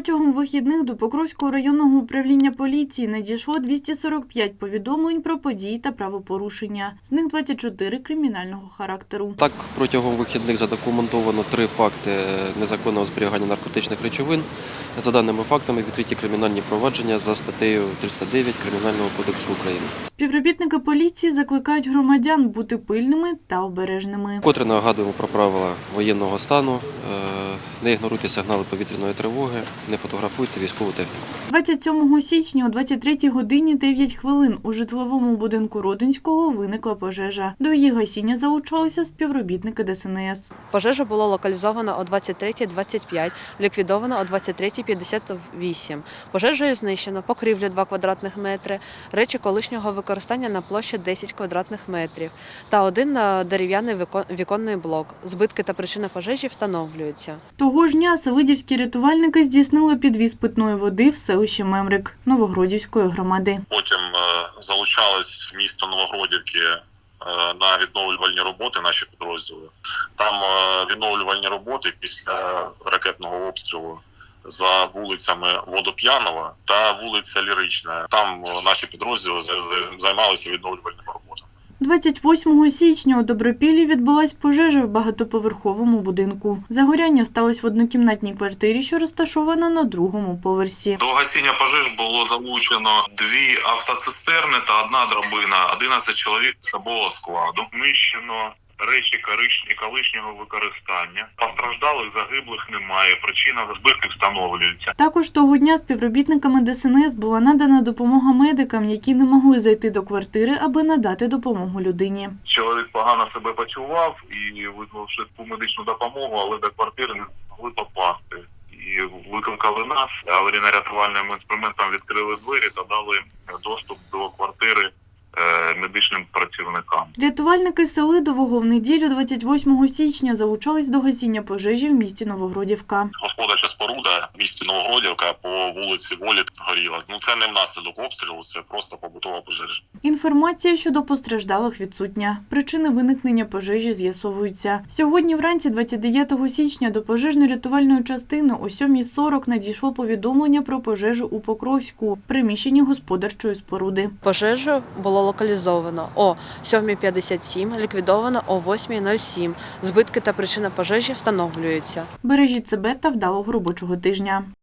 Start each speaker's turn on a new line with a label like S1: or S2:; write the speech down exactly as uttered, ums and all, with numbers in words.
S1: Протягом вихідних до Покровського районного управління поліції надійшло двісті сорок п'ять повідомлень про події та правопорушення. З них двадцять чотири кримінального характеру.
S2: Так, протягом вихідних задокументовано три факти незаконного зберігання наркотичних речовин. За даними фактами, відкриті кримінальні провадження за статтею триста дев'ять Кримінального кодексу України.
S1: Співробітники поліції закликають громадян бути пильними та обережними.
S2: Вкотре нагадуємо про правила воєнного стану. Не ігноруйте сигнали повітряної тривоги, не фотографуйте військову техніку.
S1: двадцять сьомого січня о двадцять третій годині дев'ять хвилин у житловому будинку Родинського виникла пожежа. До її гасіння залучалися співробітники Де Ес En Ес.
S3: Пожежа була локалізована о двадцять третій двадцять п'ять, ліквідована о двадцять третій п'ятдесят вісім. Пожежею знищено покрівлю два квадратних метри, речі колишнього використання на площі десять квадратних метрів та один дерев'яний віконний блок. Збитки та причина пожежі встановлюються.
S1: Того ж дня селидівські рятувальники здійснили підвіз питної води в селище Мемрик Новогродівської громади.
S4: Потім залучались в місто Новогродівки на відновлювальні роботи наші підрозділи. Там відновлювальні роботи після ракетного обстрілу за вулицями Водоп'янова та вулиця Лірична. Там наші підрозділи займалися відновлювальними роботами.
S1: двадцять восьмого січня у Добропіллі відбулась пожежа в багатоповерховому будинку. Загоряння сталося в однокімнатній квартирі, що розташована на другому поверсі.
S5: До гасіння пожеж було залучено дві автоцистерни та одна драбина, одинадцять чоловік особового складу. Знищено речі колишнього використання. Постраждалих, загиблих немає, причина збитків встановлюється.
S1: Також того дня співробітниками Де Ес En Ес була надана допомога медикам, які не могли зайти до квартири, аби надати допомогу людині.
S5: Чоловік погано себе почував і визвав швидку медичну допомогу, але до квартири не змогли попасти. І викликали нас, аварійно-рятувальним інструментом відкрили двері та дали доступ до квартири медичним працівникам.
S1: Рятувальники Селидового в неділю двадцять восьмого січня залучались до гасіння пожежі в місті Новогродівка.
S4: Господарча споруда в місті Новогродівка по вулиці Волі горіла. Ну це не внаслідок обстрілу, це просто побутова пожежа.
S1: Інформація щодо постраждалих відсутня. Причини виникнення пожежі з'ясовуються. Сьогодні вранці двадцять дев'ятого січня до пожежно-рятувальної частини о сьомій сорок надійшло повідомлення про пожежу у Покровську, в приміщенні господарчої споруди.
S3: Пожежу було локалізовано о сьомій п'ятдесят сім, ліквідовано о восьмій нуль сім. Збитки та причина пожежі встановлюються.
S1: Бережіть себе та вдалого робочого тижня.